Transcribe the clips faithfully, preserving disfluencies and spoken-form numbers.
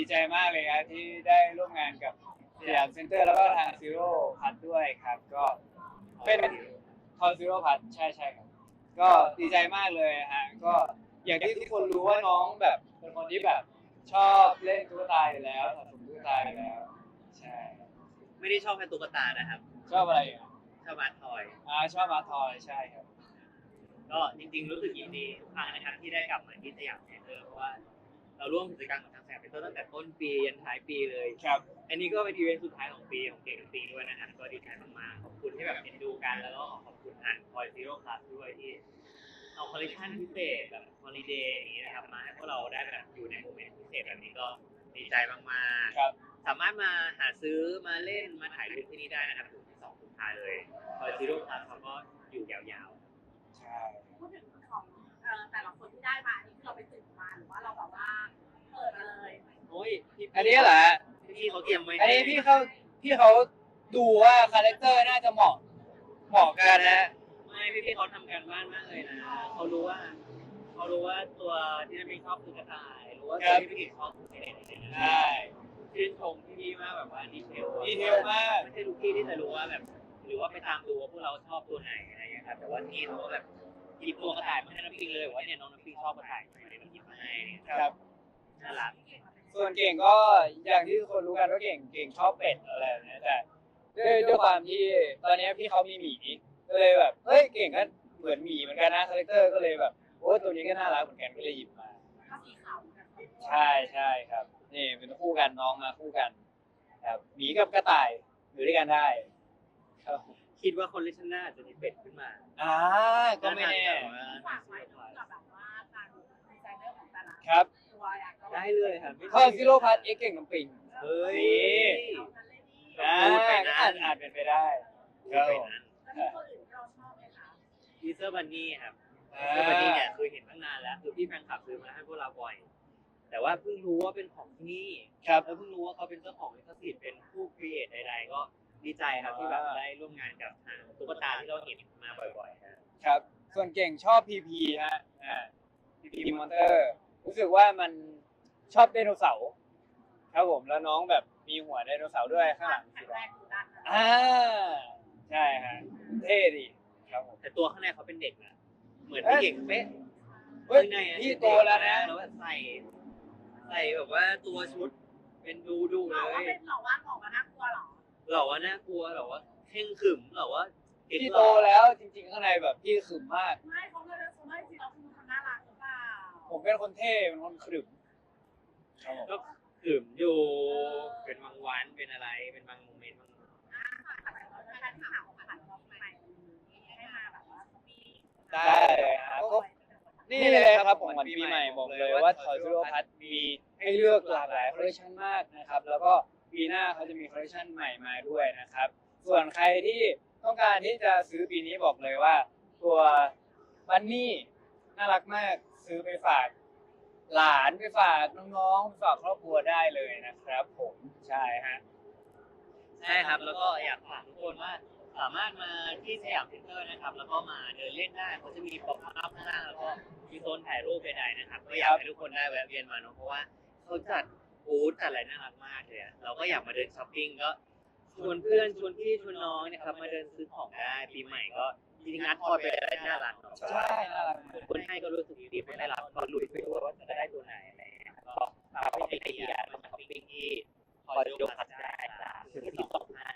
ใจมากเลยครับที่ได้ร่วมงานกับสยามเซ็นเตอร์แล้วก็ทางซีโร่พัทด้วยครับก็เป็นทอซีโร่พัทใช่ใช่ครับก็ดีใจมากเลยฮะก็อย่างที่ทุกคนรู้ว่าน้องแบบเป็นคนที่แบบชอบเล่นตุ๊กตาอยู่แล้วสะสมตุ๊กตาอยู่แล้วใช่ไม่ได้ชอบแค่ตุ๊กตานะครับชอบอะไรอ่ะชอบอาร์ตทอยอ่าชอบมาทอยใช่ครับก็จริงๆรู้สึกยินดีทุกครั้งนะครับที่ได้กลับมาที่สยามเซ็นเตอร์เพราะว่าเราร่วมกิจกรรมกับทางสยามเซ็นเตอร์ตั้งแต่ต้นปียันท้ายปีเลยครับอันนี้ก็เป็นอีเวนต์สุดท้ายของปีของเก่งปีด้วยนะครับก็ดีใจมากๆขอบคุณที่แบบเอ็นดูกันแล้วก็ขอบคุณทางคอยซีโร่คลาสด้วยที่เอาคอลเลคชันพิเศษแบบฮอลิเดย์อย่างนี้นะครับมาให้พวกเราได้แบบอยู่ในโมเมนต์พิเศษแบบนี้ก็ดีใจมากๆครับสามารถมาหาซื้อมาเล่นมาถ่ายรูปที่นี่ได้นะครับถึงที่สองสุดท้ายเลยคอยซีโร่คลาสเขาก็อยู่ยาวใช่พูดถึงของเอ่อแต่ละคนที่ได้มาอันนี้คือเราไปสืบมาหรือว่าเราแบบว่าเปิดมาเลยๆโอ้ยพี่อันนี้เหรอฮะพี่เขาเตรียมไว้อันนี้พี่เขาพี่เขาดูว่าคาแรคเตอร์น่าจะเหมาะเหมาะกันนะไม่พี่พี่เขาทำการบ้านมากเลยนะเขารู้ว่าเขารู้ว่าตัวที่พี่ชอบคือกระต่ายรู้ว่าตัวที่พี่ชอบคือเด็กๆใช่ชื่นชมพี่มากแบบว่าดีเทลดีเทลมากไม่ใช่ทุกที่ที่จะรู้ว่าแบบหรือว่าไปตามดูว่าพวกเราชอบตัวไหนอะไรอย่างเงี้ยครับแต่ว่านี่เขาก็แบบหยิบตัวกระต่ายมาให้น้องปิงเลยว่าเนี่ยน้องน้ำปิงชอบกระต่ายเลยหยิบมาให้ครับน่ารักส่วนเก่งก็อย่างที่ทุกคนรู้กันว่าเก่งเก่งชอบเป็ดอะไรแบบนี้แต่ด้วยด้วยความที่ตอนนี้พี่เขามีหมีก็เลยแบบเฮ้ยเก่งก็เหมือนหมีเหมือนกันนะคาแรคเตอร์ก็เลยแบบโอ้ตัวนี้ก็น่ารักเหมือนกันก็เลยหยิบมาก็สีขาวกันใช่ใช่ครับนี่เป็นคู่กันน้องมาคู่กันครับหมีกับกระต่ายอยู่ด้วยกันได้ครับคิดว่าคนเลชน่าจะมีเป็ดขึ้นมาอ่าก็ไม่แน่ฝากไว้ด้วยกับแบบว่าทางดีไซเนอร์ของแต่ละครับตัวอยากก็ได้เลยครับข้อซิโร่พัทเอ็กเก่งน้ำปิงเฮ้ยอ่าอาจอาจเป็นไปได้ครับผมแล้วมีตัวอื่นที่เราชอบไหมคะทีเซอร์บันนี่ครับอ่าทีเซอร์บันนี่เนี่ยคือเห็นตั้งนานแล้วคือพี่แฟนคลับซื้อมาให้พวกเราบ่อย แต่ว่าเพิ่งรู้ว่าเป็นของที่นี่ครับแล้วเพิ่งรู้ว่าเขาเป็นเจ้าของลิขสิทธิ์เป็นผู้ครีเอทใดๆก็ดีใจครับที่แบบได้ร่วมงานกับทางตุ๊กตาที่เราเห็นมาบ่อยๆครับครับ ส่วนเก่งชอบพีพีฮะอ่าพีพีมอนเตอร์รู้สึกว่ามันชอบไดโนเสาร์ครับผมแล้วน้องแบบมีหัวไดโนเสาร์ด้วยข้างหลังแข็สีงแรดำงดูดันอ่าใช่ฮะเท่ดีครับผมแต่ตัวข้างในเขาเป็นเด็กนะเหมือนพี่เก่งเป๊ะเฮ้ยข้างในอะพี่โตแล้วนะแล้วแบบใส่ใส่แบบว่าตัวชุดเป็นดูดูเลเราว่าย เป็นเราว่าออกมาน่ากลัวหรอหล่อว่าน่ากลัวหล่อว่าเข่งขรึมหล่อว่าเก่งพี่หโตล่อแล้วจริงๆข้างในแบบพี่ขรึมมากไม่เขาเลยเขาไม่จริงเราคือคนน่ารักหรือเปล่าผมเป็นคนเท่เป็นคนขรึมครับผมก็ขรึมอยู่เป็นบางวันเป็นอะไรเป็นบางโมเมนต์บางอ่าฝากฝากฝากแฟนคลับของผ่านเราใหม่ให้มาแบบว่ามีได้เลยครับก็นี่เลยครับของขวัญปีใหม่บอกเลยว่าทอยซูโร่พัทมีให้เลือกหลากหลายคอลเลคชันมากนะครับแล้วก็ปีหน้าเขาจะมีคอลเลคชันใหม่มาด้วยนะครับส่วนใครที่ต้องการที่จะซื้อปีนี้บอกเลยว่า ตัวบันนี่น่ารักมากซื้อไปฝากหลานไปฝากน้องๆไปฝากครอบครัวได้เลยนะครับ ผมใช่ฮะใช่ครับแล้วก็อยากฝากทุกคนว่าสามารถมาที่สยามเซ็นเตอร์นะครับแล้วก็มาเดินเล่นได้เขาจะมีป๊อปอัพข้างล่างแล้วก็มีโซนถ่ายรูปใดๆนะครับก็อยากให้ทุกคนได้แวะเวียนมาเนาะเพราะว่าเขาจัดบูธจัดอะไรน่ารักมากเลยอะเราก็อยากมาเดินช้อปปิ้งก็ชวนเพื่อนชวนพี่ชวนน้องเนะครับมาเดินซื้อของได้ปีใหม่ก็จริงๆนัดพอยเป็นอะไรที่น่ารักเนาะใช่น่ารักมากคนให้ก็รู้สึกดีๆไม่ได้รับก็ลุ้นไปด้วยว่าจะได้ตัวไหนอะไรอย่างเงี้ยก็ฝากไอเดียมาช้อปปิ้งที่คอยยกขัดได้จากถึงที่สองห้า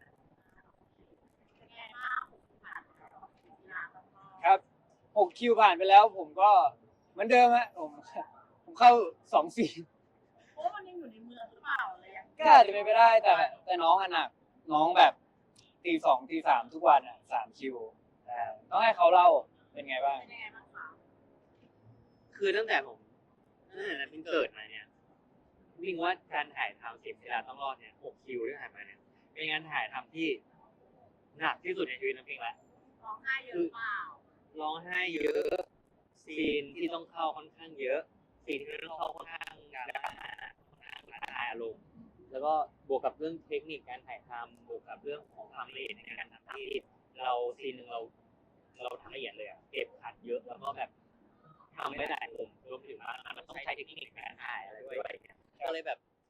เป็นไงบ้างผ่านงานแล้วก็ครับหกคิวผ่านไปแล้วผมก็เหมือนเดิมฮะผมผมเข้าสองสี่โอ้มันยังอยู่ในเมืองหรือเปล่าอะไรอย่างเงี้ยก็อาจจะเป็นไปได้แต่แต่น้องอะหนักน้องแบบตีสองตีสามทุกวันอ่ะสามคิวอ่าต้องให้เขาเล่าเป็นไงบ้างเป็นยังไงบ้างคะคือตั้งแต่ผมตั้งแต่นั้นเพิ่งเกิดมาเนี่ยวิ่งว่าการถ่ายทำสิบเวลาต้องรอดเนี่ยหกคิวที่ผ่านมาเนี่ยเป็นงานถ่ายทำที่หนักที่สุดในชีวิตน้ำพิงละร้องไห้เยอะเปล่าร้องไห้เยอะซีนที่ต้องเข้าค่อนข้างเยอะซีนที่ต้องเข้าค่อนข้างดราม่าค่อนข้างระบายอารมณ์แล้วก็บวกกับเรื่องเทคนิคการถ่ายทำบวกกับเรื่องของความละเอียดในการทำที่เราซีนหนึ่งเราเราทำละเอียดเลยอะเก็บขัดเยอะแล้วก็แบบทำไม่ได้ผมรวมถึงว่ามันต้องใช้เทคนิคการถ่ายอะไรด้วยก็เลยแบบ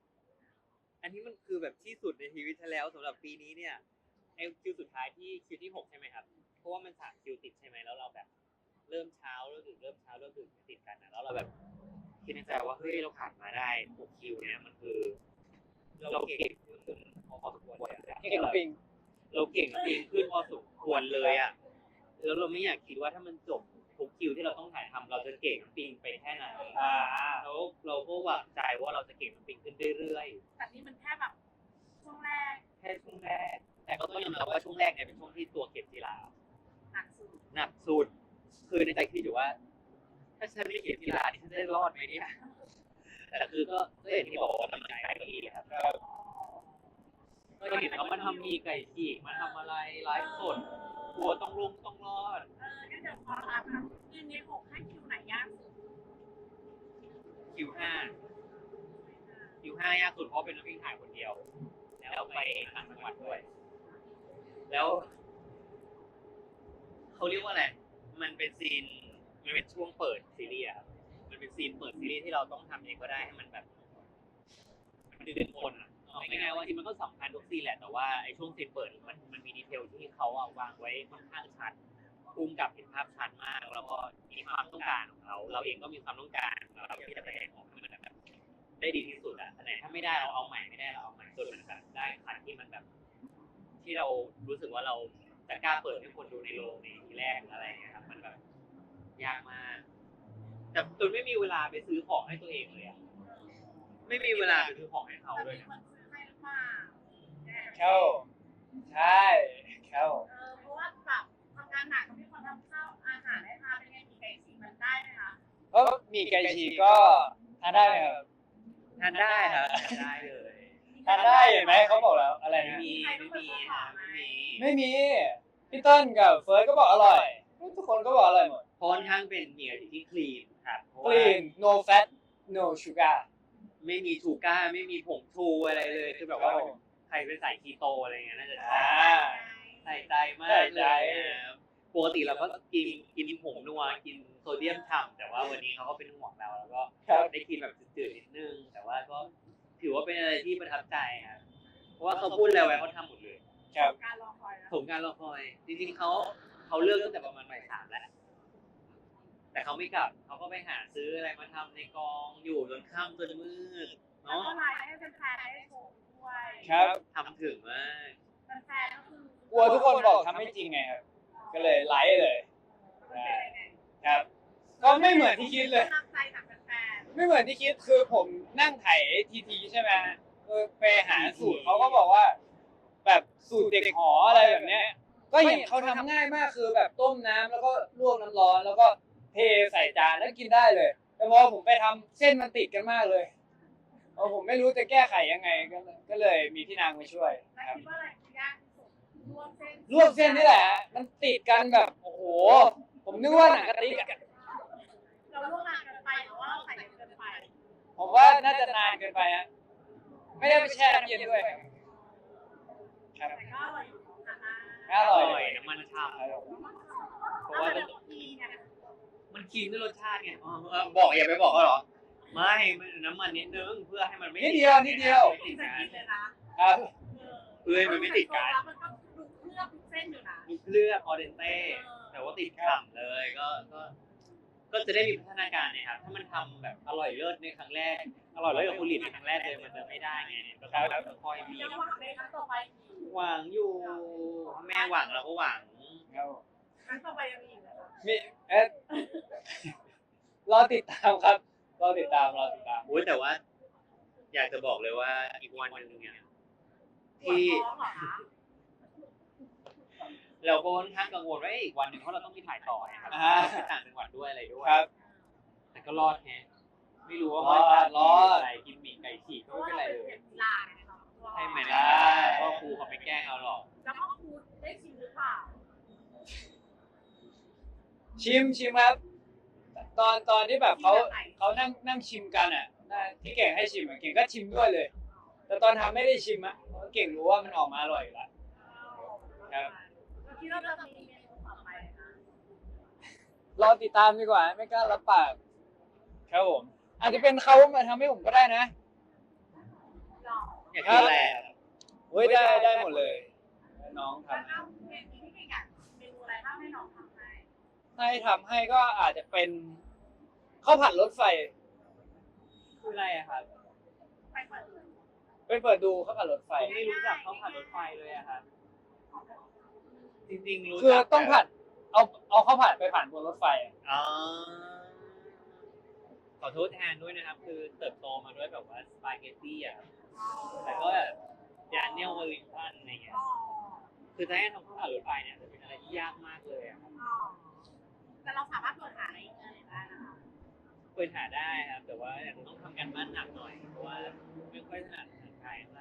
อันนี้มันคือแบบที่สุดในชีวิตฉันแล้วสำหรับปีนี้เนี่ยไอ้คิวสุดท้ายที่คิวที่หกใช่ไหมครับเพราะว่ามันสามคิวติดใช่ไหมแล้วเราแบบเริ่มเช้าเริ่มดึกเริ่มเช้าเริ่มดึกติดกันนะแล้วเราแบบคิดในใจว่าเฮ้ยเราผ่านมาได้หกคิวเนี่ยมันคือเราเก่งขึ้นพอสมควรเลยอะเก่งปิงเราเก่งจริงขึ้นพอสมควรเลยอ่ะแล้วเราไม่อยากคิดว่าถ้ามันจบทุกคิวที่เราต้องถ่ายทำเราจะเก่งน้ำปิงไปแค่ไหนอ่าแล้วเราก็หวังใจว่าเราจะเก่งน้ำปิงขึ้นเรื่อยแต่นี่มันแค่แบบช่วงแรกๆแค่ช่วงแรกแต่ก็ต้องยอมรับว่าช่วงแรกเนี่ยเป็นช่วงที่ตัวเก็บกีฬาหนักสุดหนักสุดคือในใจคิดอยู่ว่า ถ้าฉันไม่เก็บกีฬานี่ฉันจะได้รอดไหมเนี่ยแต่คือก็ก็อย่างที่บอกว่ากำลังใจก็ดีครับครับก็เห็นเขามาทำมีไก่ฉีกมาทำอะไรไลฟ์สดกลัวต้องลงต้องรอดเอองั้นเดี๋ยวขอถามครับยืนในหกให้คิวไหนยากสุดคิวห้าคิวห้ายากสุดเพราะเป็นนักวิ่งถ่ายคนเดียว แล้วไปต่างจังหวัดด้วย แล้วเขาเรียกว่าอะไร มันเป็นซีน มันเป็นช่วงเปิดซีรีส์อะครับมันเป็นซีนเปิดซีรีส์ที่เราต้องทำเองก็ได้ให้มันแบบ มันดึงคนอะเอาง่ายๆว่าที่มันก็สำคัญทุกซีนแหละ แต่ว่าไอ้ช่วงซีนเปิดมันมันมีดีเทลที่เขาอะวางไว้ค่อนข้างชัดภูมิกับเห็นภาพชัดมาก แล้วก็มีความต้องการของเขา เราเองก็มีความต้องการเราที่จะแสดงออกให้มันแบบได้ดีที่สุดอะอันไหนถ้าไม่ได้เราเอาใหม่ไม่ได้เราเอาใหม่จนมันแบบได้คันที่มันแบบ ที่เรารู้สึกว่าเราจะกล้าเปิดให้คนดูในโรงในทีแรกอะไรอย่างเงี้ยครับมันแบบยากมากแต่จนไม่มีเวลาไปซื้อของให้ตัวเองเลยอะไม่มีเวลาไปซื้อของให้เขาแต่ด้วยมีนะคนซื้อให้หรือเปล่าเข้าใช่เข้าเออเพราะว่าแบบทำงานหนักก็มีคนทำข้าวอาหารให้ทานเป็นไงมีไก่ฉีกมันได้ไหมคะเพราะมีไก่ฉีกก็ทานได้ไหมครับทานได้ครับทานได้เลยทานได้เห็นไหมเขาบอกแล้วอะไรไม่นะมีไม่มีครับไม่มีไม่มีพี่เติ้ลกับเฟิร์สก็บอกอร่อยทุกคนก็บอกอร่อยหมดเพราะค่อนข้างเป็นเหนียวที่คลีนครับเพราะคว่าลีน no fat no sugar ไม่มีชูก้าไม่มีผงชูอะไรเลยคือแบบว่าใครเป็นสายคีโตอะไรเงี้ยน่าจะอ่าใส่ใจมากใส่ใจเลยครับปกติเราก็กินกินผงนัวกินโซเดียมฉ่ำแต่ว่าวันนี้เขาก็เป็นห่วงเราแล้วก็ครับได้กินแบบจืดๆนิดนึง แต่ว่าก็ถือว่าเป็นอะไรที่ประทับใจครับเพราะว่าเขาพูดแล้วไว้เขาทำหมดเลยครับการรอคอยนะสมการรอคอย จริงๆเขาเขาเลิกตั้งแต่ประมาณบ่ายสามแล้วแต่เขาไม่กลับเขาก็ไปหาซื้ออะไรมาทำในกองอยู่จนค่ำจนมืดแล้วเนาะก็ไลน์ให้แฟนๆได้ชมด้วยครับทำถึงมากแฟนๆก็คือกลัวทุกคนบอกทำไม่จริงไงครับ ก็เลยไลฟ์เลยมันเป็นยังไงครับ ก็ไม่เหมือนที่คิดเลยกำลังใจจากแฟนไม่เหมือนที่คิดคือผมนั่งไถทีทีใช่ไหมเออไปหาสูตรเขาก็บอกว่า แบบสูตรเด็กหออะไรแบบเนี้ย ก็เห็นเขาทำง่ายมากคือแบบต้มน้ำแล้วก็ลวกน้ำร้อนแล้วก็เทใส่จานแล้วกินได้เลย แต่พอผมไปทำเส้นมันติดกันมากเลยเออผมไม่รู้จะแก้ไขยังไงก็เลยก็เลยมีพี่นางมาช่วยๆแล้วครับคิดว่าอะไรคือยากที่สุดลวกเส้นลวกเส้นนี่แหละ มันติดกันแบบโอ้โห ผมนึกว่าหนังกะติกอะเราลวกนานเกินไปหรือว่าเราใส่เกินไปผมว่าน่าจะนานเกินไปฮะไม่ได้ไปแช่น้ำเย็นด้วยครับแต่ก็อร่อยอยู่นะออร่อยร่อยน้ำมันฉ่ำ เพเพราะราะว่าว่าทีเนี่ยมันคีนด้วยรสชาติไงอ๋อเออบอกอย่าไปบอกเขาเหรอ ไม่มันน้ำมันนิดนึงเพื่อให้มันไม่นิดเดียวนิดเดียวไม่ติดใส่กันกินเลยนะครับเพื่อให้มันไม่ติดกันแล้วมันก็ดูเคลือบทุกเส้นอยู่นะลูกเลือกออเดนเต้แต่ว่าติดฉ่ำเลยก็ก็ก็จะได้มีพัฒนาการนะครับถ้ามันทำแบบอร่อยเลิศในครั้งแรกอร่อยเลิศกับคุณหลินในครั้งแรกเลยมันจะไม่ได้ไงก็ต้องแบบค่อยๆมียังหวังเลยครั้งต่อไปหวังอยู่แม่หวังเราก็หวังครับครั้งต่อไปยังมีอีกเหรอคะมีเอ๊ะรอติดตามครับรอติดตามรอติดตามอุ้ยแต่ว่า อยากจะบอกเลยว่าอีกวันหนึ่งเนี่ยปวดที่ท้องเหรอคะเราก็ค่อนข้างกังวลว่าอีกวันหนึ่งเพราะเราต้องมีถ่ายต่อนะครับอ่าไปต่างจังหวัดด้วยอะไรด้วยครับแต่ก็รอดแฮะไม่รู้ว่ารอดรอดอะไรกินหมี่ไก่ฉีกเพก็ราะไม่ว่าเป็นเราไรเป็นเลยเด็กกีฬาไงเราใช่ไหมใช่ล่ะก็ครูเขาไม่แกล้งเราหรอกแล้วก็ครูได้ชิมหรือเปล่าชิมชิมครับ ตอนตอนที่แบบเขาเขานั่งนั่งชิมกันอ่ะที่เก่งให้ชิมอะเก่งก็ชิมด้วยเลย แต่ตอนทำไม่ได้ชิมอ่ะเพราะเก่งรู้ว่ามันออกมาอร่อยอยู่แล้ว ครับเราคิดว่าจะมีเมนูต่อไปนะรอติดตามดีกว่าไม่กล้ารับปากครับผมอาจจะเป็นเขามาทำให้ผมก็ได้นะหรออยากกินอะไรอะเฮ้ยได้ได้หมดเลย น้องแล้วทำก็เมนูที่เก่งอ่ะเมนูอะไรบ้างให้น้องทำให้ให้ทำให้ก็อาจจะเป็นข้าวผัดรถไฟคืออะไรอะครับไปเปิดดูไปเปิดดูข้าวผัดรถไฟผมไม่รู้จักข้าวผัดรถไฟเลยอะครับจริงๆรู้จักคือต้องผัดเอาเอาข้าวผัดไปผ่านบนรถไฟอะอ๋อขอโทษแทนด้วยนะครับ คือเติบโตมาด้วยแบบว่าสปาเกตตี้อะครับแต่ก็แบบยานเนลวอลลิงตันอะไรเงี้ยอ๋อคือถ้าให้ทำข้าวผัดรถไฟเนี่ยจะเป็นอะไรที่ยากมากเลยอะครับอ๋อแต่เราสามารถเปิดหาในอินเทอร์เน็ตได้นะคะเปิดหาได้ครับ แต่ว่าต้องทำกันบ้านหนักหน่อยเพราะว่าไม่ค่อยถนัดภาษาไทยเท่าไหร่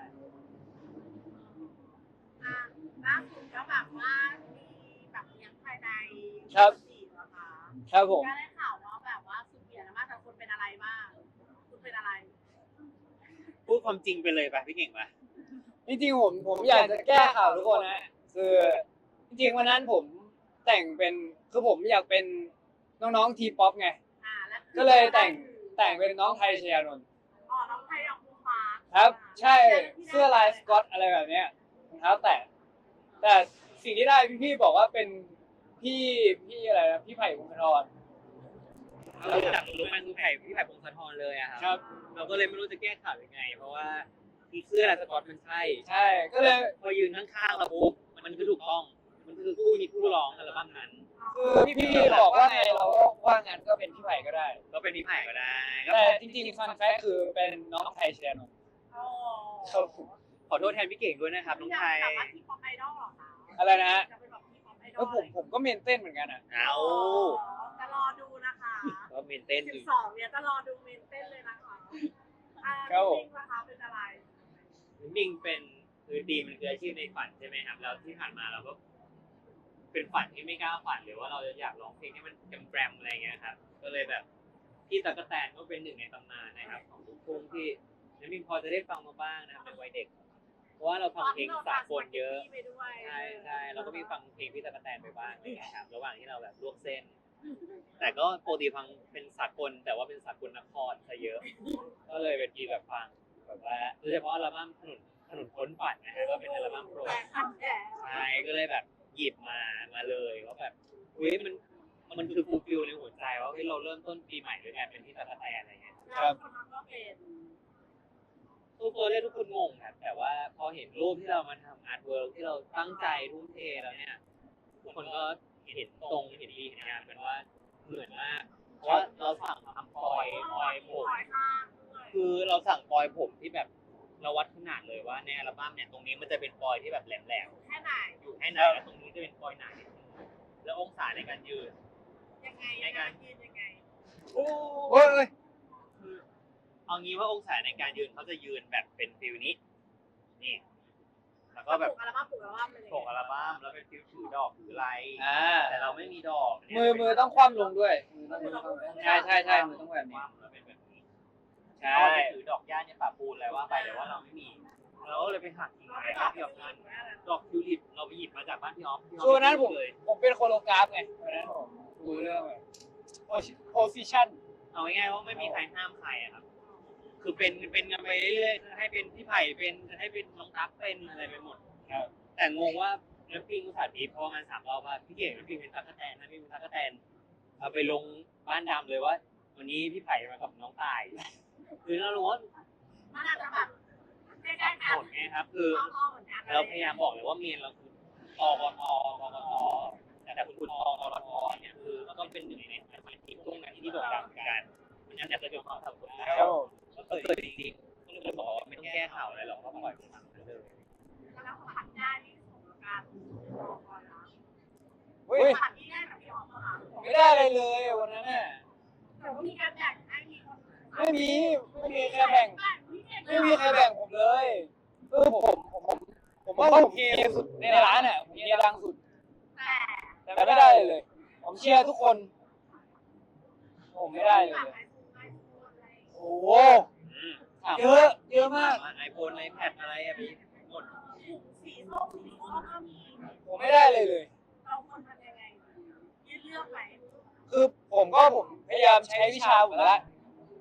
อ่ะล่าสุดก็แบบว่ามีแบบเลี้ยงภายในครับสี่เหรอคะครับผมก็ได้ข่าวว่าแบบว่าสุดเบียร์มากแต่คุณเป็นอะไรบ้างคุณเป็นอะไรพูดความจริงไปเลยป่ะพี่เก่งป่ะจริงๆผมผมอยากจะแก้ข่าวทุกคนนะคือจริงๆวันนั้นผมแต่งเป็นคือผมอยากเป็นน้องๆทีป๊อปไงอ่าแล้วก็เลยแต่งแต่งเป็นน้องไทยชยานนท์อ๋อน้องไทยน้องภูฟ้าครับ ใช่เสื้อลายสกอตอะไรแบบเนี้ยรองเท้าแตะแต่สิ่งที่ได้พี่ๆบอกว่าเป็นพี่พี่อะไรนะพี่ไผ่พงศธรเราจับรู้มันคือไผ่พี่ไผ่พงศธรเลยอะครับครับเราก็เลยไม่รู้จะแก้ข่าวยังไง เพราะว่าที่เสื้อสกอตมันใช่ใช่ก็เลยพอยืนข้างๆเราปุ๊บมันคือถูกต้อง มันคือคู่นี้คู่ร้องอัลบั้มนั้นคือพี่ๆบอกว่าไงเราก็ว่างั้นก็เป็นพี่ไผ่ก็ได้ก็เป็นพี่ไผ่ก็ได้ก็แต่จริงๆฟันแฟกคือเป็นน้องไทยชยานนท์อ๋อครับผมขอโทษแทนพี่เก่งด้วยนะครับน้องไทยอยากเป็นแบบว่าทีป๊อปไอดอลเหรอคะอะไรนะฮะอยากเป็นแบบทีป๊อปไอดแล้อวลผมผมก็เมนเต้นเหมือนกันอ่ะเอาจะรอดูนะคะก็เมนเต้นอสิยู่บสองเนี่ยจะรอดูเมนเต้นเลยนะคะอ่าครับผมจริงนะคะเป็นอะไรมิงเป็นคือดีมันคืออาชีพในฝันใช่ไหมครับแล้วที่ผ่านมาเราก็ เป็นฝันที่ไม่กล้าฝันหรือว่าเราจะอยากร้องเพลงที่มันแกรมๆอะไรเงี้ยครับ ก็เลยแบบพี่ตั๊กแตนก็เป็นหนึ่งในตำนานนะครับ ของลูกทุ่งที่น้ำมิงพอจะได้ฟังมาบ้างนะครับในวัยเด็ก เพราะว่าเราฟังเพลงสากลเยอะไปด้วยใช่ใช่เราก็มีฟังเพลงพี่ตั๊กแตนไปบ้างอะไรเงี้ยครับระหว่างที่เราแบบลวกเส้น แต่ก็ปกติฟังเป็นสากลแต่ว่าเป็นสากลนครซะเยอะ ก็เลยเป็นทีแบบฟังแบบว่าโดยเฉพาะอัลบั้มถนนถนนพ้นฝันนะฮะก็เป็นอัลบั้มโปรดแต่คันแก่ใช่ก็เลยแบบหยิบมามาเลยว่าแบบเฮ้ยมันมันคือฟูลฟิลในหัวใจว่าเฮ้ยเราเริ่มต้นปีใหม่ด้วยการเป็นพี่ตั๊กแตนอะไรเงี้ยแล้วคนนั้นก็เป็นทุกตัวเลขทุกคนงงครับแต่ว่าพอเห็นรูปที่เรามาทำอาร์ตเวิร์กที่เราตั้งใจทุ่มเทแล้วเนี่ยทุกคนก็เห็นตรงเห็นดีเห็นงามกันว่าเหมือนมากเพราะว่าเราสั่งทำปอยปอยผมปล่อยข้างด้วยคือเราสั่งปอยผมที่แบบเราวัดขนาดเลยว่าในอัลบั้มเนี่ยตรงนี้มันจะเป็นปอยที่แบบแหลมแค่ไหนๆอยู่ให้ไหนแล้วตรงนี้จะเป็นปอยหนานิดนึงแล้วองศาในการยืนยังไงยังไงยืนยังไงโอ้ยคือเอางี้ว่าองศาในการยืนเขาจะยืนแบบเป็นฟิลนี้นี่แล้วก็แบบปลูกอัลบั้มปลูกอัลบั้มเลยส่งอัลบั้มแล้วเป็นฟิลถือดอกถืออะไรอ่าแต่เราไม่มีดอกมือมือต้องคว่ำลงด้วยมือต้องคว่ำลงใช่ใช่ใช่มือต้องแบบนี้แล้วเป็นแบบนี้ใช่เราไปถือดอกหญ้าเนี่ยป่าปูนอะไรว่าไปแต่ว่าเราไม่มีเราก็เลยไปหักกิ่งไม้ครับพี่ออฟนั่นดอกทิวลิปเราไปหยิบมาจากบ้านพี่ออฟพี่ออฟคือวันนั้นผมเลยผมเป็นโคโรกราฟไงวันนั้นผมดูเรื่องแบบโพสิชันเอาง่ายๆว่าไม่มีใครห้ามใครอะครับ คือเป็นเป็นกันไปเรื่อยๆให้เป็นพี่ไผ่เป็นให้เป็นน้องตั๊กเป็นอะไรไปหมดครับแต่งงว่าน้ำปิงอุตส่าห์ทีเพราะงานสามรอบว่าพี่เก่งน้ำปิงเป็นตั๊กแตนน้ำปิงเป็นตั๊กแตนเอาไปลงบ้านดำเลยว่า วันนี้พี่ไผ่มากับน้องตายคือเรารู้ว่ามันอาจจะแบบใกล้ๆกันหมดไงครับ คืออ้อมๆเหมือนกันเราพยายามบอกเลยว่าเมียนเราคือตกตกกตแต่คุณตกตเนี่ยคือมันก็เป็นหนึ่งในสมาชิกพวกนั้นที่โด่งดังกันมันยังจะเกิดความสับสนครับผมก็เกิดจริงๆก็เลยบอกว่าไม่ต้องแก้ข่าวอะไรหรอกก็ปล่อยมันทำไปเลยแล้วสัมผัสได้ที่ส่งการบอกก่อนนะเฮ้ยสัมผัสที่ได้แบบพี่ออฟอะค่ะไม่ได้อะไรเลยวันนั้นน่ะแต่ว่ามีการแบ่งให้มีคนไม่มีไม่มีใครแบ่งไม่มีใครแบ่งผมเลยเออผมผมผมผมว่าผมเฮียสุดในร้านอ่ะผมเฮียดังสุดแต่แต่ไม่ได้เลย ผมเชียร์ทุกคน ผมไม่ได้เลย โอ้โหเยอะเยอะมากไอโฟนไอแพดอะไรอะพี่หมดสีส้มสีส้มก็มีผมไม่ได้เลยเลยเราควรทำยังไงยืดเลือกไหมคือผมก็ผมพยายามใช้วิชาผมละ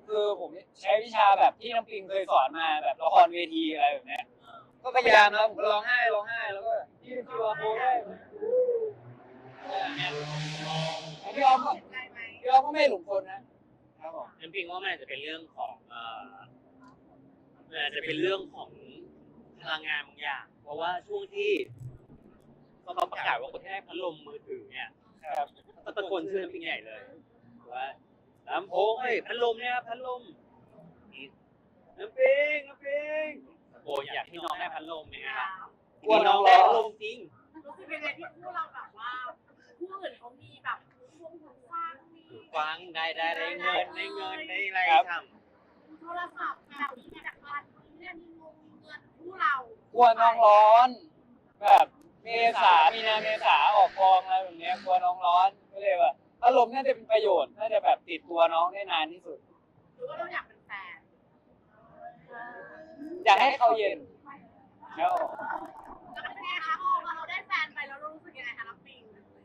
คือผมใช้วิชาแบบที่น้ำปิงเคยสอนมาแบบละครเวทีอะไรแบบเนี้ยก็พยายามนะผมก็ร้องไห้ร้องไห้แล้วก็ที่คิวอาร์โค้ดได้พี่ออมก็ได้ไหมพี่ออมก็ไม่หลงคนนะครับผมน้ำปิงว่ามันอาจจะเป็นเรื่องของเอ่อมันอาจจะเป็นเรื่องของพลังงานบางอย่าง เพราะว่าช่วงที่เขาประกาศว่าคนที่ได้พัดลมมือถือเนี่ยครับก็ตะโกนชื่อน้ำปิงใหญ่เลยว่าลำโพงเฮ้ยพัดลมเนี่ยพัดลมน้ำปิงน้ำปิงโอ้ยอยากให้น้องได้พัดลมเนี่ยครับกลัวน้น้ออง งร้ได้องพัดลมจริงรู้สึกเป็นไงที่คู่เราแบบว่าคู่อื่นเขามีแบบวงหูฟังมีฟังได้ได้ได้เงินได้เงินได้อะไรทำโทรศัพท์แบบนี้จากบ้านเรื่องนี้งงเงินคู่เรากลัวน้องร้อน แบบเมษามีนาเมษาออกกองอะไรแบบเนี้ยกลัวน้องร้อนก็เลยว่าอารมณ์น่าจะเป็นประโยชน์น่าจะแบบติดตัวน้องได้นานที่สุดหรือว่าเราอยากเป็นแฟนอยากให้เขาเย็นแล้วแล้วเป็นไงคะพอเราได้แฟนไปแล้วเรารู้สึกยังไงคะน้ำปิง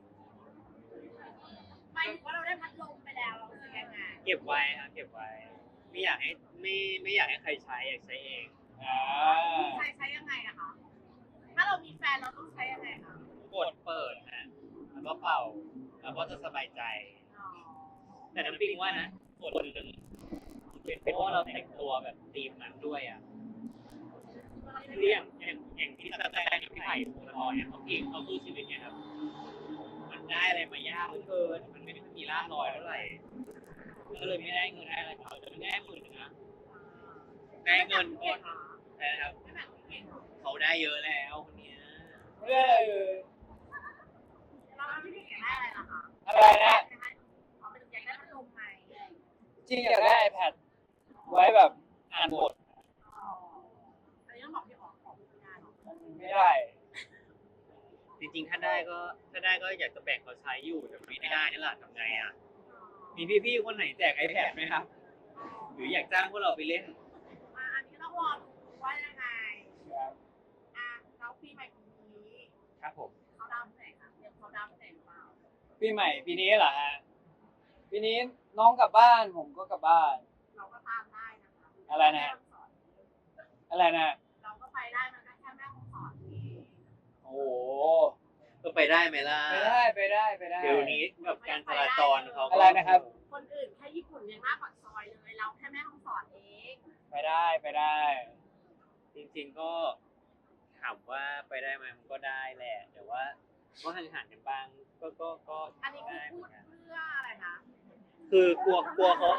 หมายถึงว่าเราได้พัดลมไปแล้วเรารู้สึกยังไงเก็บไว้ครับเก็บไว้ ไม่อยากให้ไม่ไม่อยากให้ใครใช้อยากใช้เองอ่าใช้ใช้ยังไงอะคะถ้าเรามีแฟนเราต้องใช้ยังไงคะกดเปิดฮะแล้วก็เป่าแล้วก็จะสบายใจอ๋อแต่น้ำปิงว่านะส่วนหนึ่งเป็นเพราะว่าเราแต่งตัวแบบธีมนั้นด้วยอ่ะเรียงอย่างอย่างที่แสดงกับพี่ไผ่พงศธรเนี่ยเขาเองเขาสู้ชีวิตเนี่ยครับมันได้อะไรมายากเหลือเกินมันไม่ได้มีล่ามลอยเท่าไหร่ก็เลยไม่ได้เงินได้อะไรเขาจะไม่ได้หมื่นนะได้เงินก็แต่นะครับไม่แบบเก่งเขาได้เยอะแล้วคนเนี้ยไม่ได้เลยเราที่พี่เก่งได้อะไรล่ะคะอะไรนะเขาเป็นอยากได้พัดลมไหมจริงอยากได้ iPad ไว้แบบอ่านบทอ๋ออันนี้ต้องบอกพี่อ๋อของงานหรอไม่ได้จริงๆถ้าได้ก็ถ้าได้ก็อยากจะแบ่งเขาใช้อยู่แต่ไม่ได้นี่แหละทำไงอ่ะมีพี่ๆคนไหนแจก iPad ไหมครับ หรืออยากจ้างพวกเราไปเล่นอ่ะอันนี้ต้องรอดูว่ายังไงครับอ่ะแล้วปีใหม่ปีนี้ครับผมเขาดาวน์ไหนคะเตรียมเขาดาวน์ไหนหรือเปล่าปีใหม่ปีนี้เหรอฮะปีนี้น้องกลับบ้านผมก็กลับบ้านเราก็ตามได้นะคะอะไรนะ อะไรนะเราก็ไปได้มันก็แค่แม่คงสอนเองโอ้โหก็ไปได้ไหมล่ะไปได้ไปได้ไปได้เดี๋ยวนี้แบบการจราจรเขาก็อะไรนะครับคนอื่นแค่ญี่ปุ่นยังมากกว่าซอยเลย เราแค่แม่ห้องสอนเองไปได้ไปได้จริงๆก็ถามว่าไปได้ไหมมันก็ได้แหละ แต่ว่าก็ห่างๆกันบ้างก็ก็ก็อันนี้คือได้เหพูมือดนกันเพื่ออะไรคะคือกลัวกลัวเขา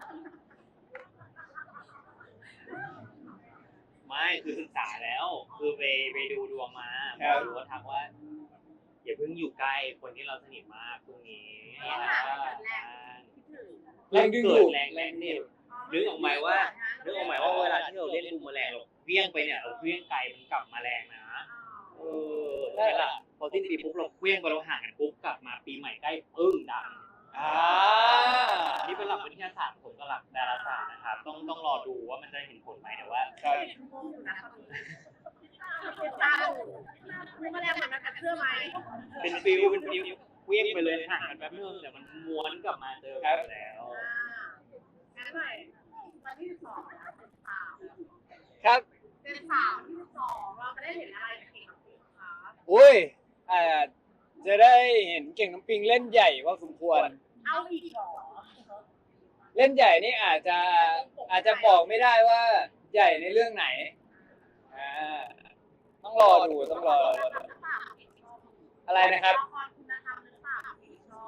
ไม่คือศึกษาแล้ว คือไปไปดูดวงมาหรือว่าทักว่าอย่าเพิ่งอยู่ใกล้คนที่เราสนิทมากตรงนี้ไม่หาเกิดแรงคิดถึงแรงดึงเกิดูดดแรงแรงเนี่ย นึกออกไหมว่า นึกออกไหมว่าเวลาที่เราเล่นลูกแมลงเราเวี้ยงไปเนี่ยเราเวี้ยงไกลมันกลับมาแรงนะเออใช่ละพอสิ้นปีปุ๊บเราเวี้ยงไปเราห่างกันปุ๊บกลับมาปีใหม่ใกล้ปึ้งดังอ่านี่เป็นหลักวิทยาศาสตร์ผมกับหลักดาราศาสตร์นะครับต้องต้องรอดูว่ามันจะเห็นผลไหมแต่ว่าครับงงอยู่นะตอนนี้ตาคุณมาแรงเหมือนกันกับเสื้อไหมเป็นฟิลเป็นฟิลเวี้ยงไปเลยห่างกันแป๊บนึงแต่มันม้วนกลับมาเจอกันแล้วอ่างั้นหน่อยวันที่สิบสองนะเป็นสามครับเป็นสามที่สิบสองเราจะได้เห็นอะไรจากเก่งกับปิงคะอุ้ยอ่าจะได้เห็นเก่งน้ำปิงเล่นใหญ่พอสมควรเอาอีกเหรอเล่นใหญ่นี่อาจจะอาจจะบอกไม่ได้ว่าใหญ่ในเรื่องไหนอ่าต้องรอดูต้องรอดูอะไรนะครับละครคุณธรรมหรือเปล่าเอกชอบ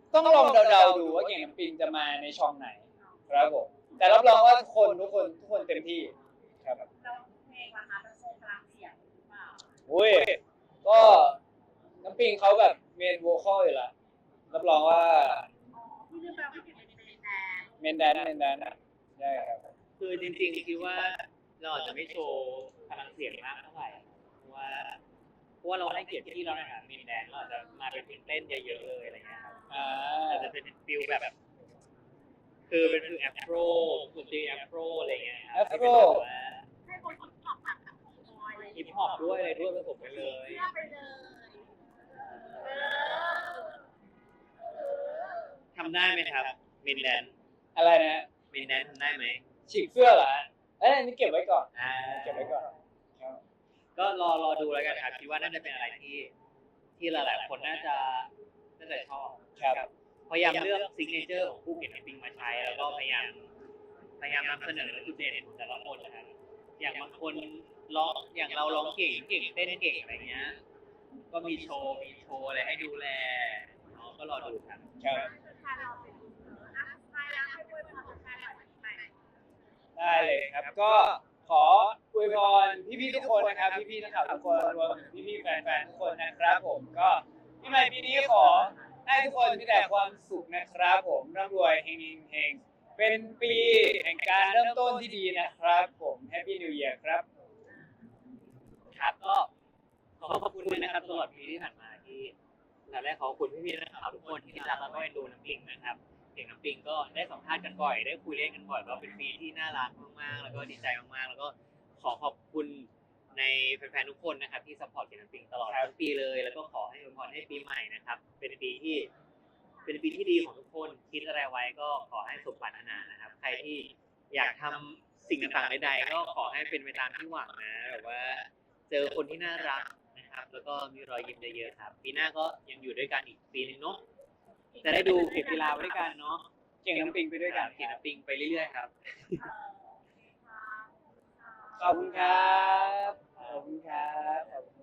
ต้องลองเดาๆดูว่าเก่งน้ำปิงจะมาในช่องไหน ครับผมแต่รับรองว่าทุกคนทุกคนทุกคนเต็มที่ครับแล้วเพลงล่ะคะจะโชว์พลังเสียงหรือเปล่าอุ้ยก็น้ำปิงเขาแบบเมนโวคอลอยู่ละรับรองว่าอ๋อพี่ลืมไปว่าเก่งเป็นเพลงแดนเมนแดนเมนแดนนะได้ครับคือจริงๆคิดว่าเราอาจจะไม่โชว์พลังเสียงมากเท่าไหร่เพราะว่าเพราะว่าเราให้เกียรติที่เราในฐานะมินแดนเราอาจจะมาเป็นเพลงเต้นเยอะๆเลยอะไรเงี้ยครับอ่าอาจจะเป็นฟิลแบบ คือเป็นฟิลแอฟโรดนตรีแอฟโรอะไรเงี้ยครับที่เป็นแบบว่าให้คนคิดตอบแบบแบบบอยอะไรอย่างฮิเงี้ปยฮอปด้วยอะไรด้วยผสมกันเลยเชื่อไปเลยเออทำได้ไหมครับมินแดนอะไรนะเมมินแนนทำได้ไหมฉีกเสื้อเหรอฮะเอ้ยอันนี้เก็บไว้ก่อนอ่าเก็บไว้ก่อนครับก็รอรอดูแล้วกันครับคิดว่าน่าจะเป็นอะไรที่ที่หลายๆคนน่าจะน่าจะชอบครับพยายามเลือกซิกเนเจอร์ของผู้เขียนปิงมาใช้แล้วก็พยายามพยายามนำเสนอจุดเด่นของแต่ละคนนะครับอย่างบางคนร้องอย่างเราร้องเก่งเก่งเต้นเก่งอะไรเงี้ยก็มีโชว์มีโชว์อะไรให้ดูแลเนาะก็รอดูครับครับแฟนเราเป็นอ่ะใครแล้วให้ด้วยพรแฟนหน่อยวันปีใหม่ได้เลยครับ ก็ขออวยพรพี่ๆทุกคนนะครับ พี่ๆนักข่าวทุกคนรวมถึงพี่ๆแฟนๆทุกคนนะครับผมก็ปีใหม่ปีนี้ขอให้ทุกคนมีแต่ความสุขนะครับผมร่ำรวยเฮงๆเฮงเป็นปีแห่งการเริ่มต้นที่ดีนะครับผมแฮปปี้นิว e ย r ครับครับก็ขอขอบคุณนะครับตลอดปีที่ผ่านมาที่เราได้ขอบคุณพี่ๆนักข่าวทุกคนที่รักแล้วก็เอ็นดูน้ำปิงนะครับเก่งน้ำปิงก็ได้สัมภาษณ์กันบ่อยได้คุยเล่นกันบ่อยก็เป็นปีที่น่ารักมากๆแล้วก็ดีใจมากๆแล้วก็ขอขอบคุณในแฟนๆทุกคนนะครับที่ซัพพอร์ตเก่งน้ำปิงตลอดทั้งปีเลยแล้วก็ขอให้อวยพรให้ปีใหม่นะครับเป็นปีที่เป็นปีที่ดีของทุกคนคิดอะไรไว้ก็ขอให้สมปรารถนานะครับใครที่อยากทำสิ่งต่างๆใดๆก็ขอให้เป็นไปตามที่หวังนะแบบว่า เจอคนที่น่ารักนะครับ แล้วก็มีรอยยิ้มเยอะๆครับ ปีหน้าก็ยังอยู่ด้วยกันอีกปีนึงเนาะจะได้ดูเก็บกีฬาไว้ด้วยกันเนาะเก่งน้ำปิงไปด้วยกันเก่งน้ำปิงไปเรื่อยๆครับขอบคุณครับ ขอบคุณครับขอบคุณ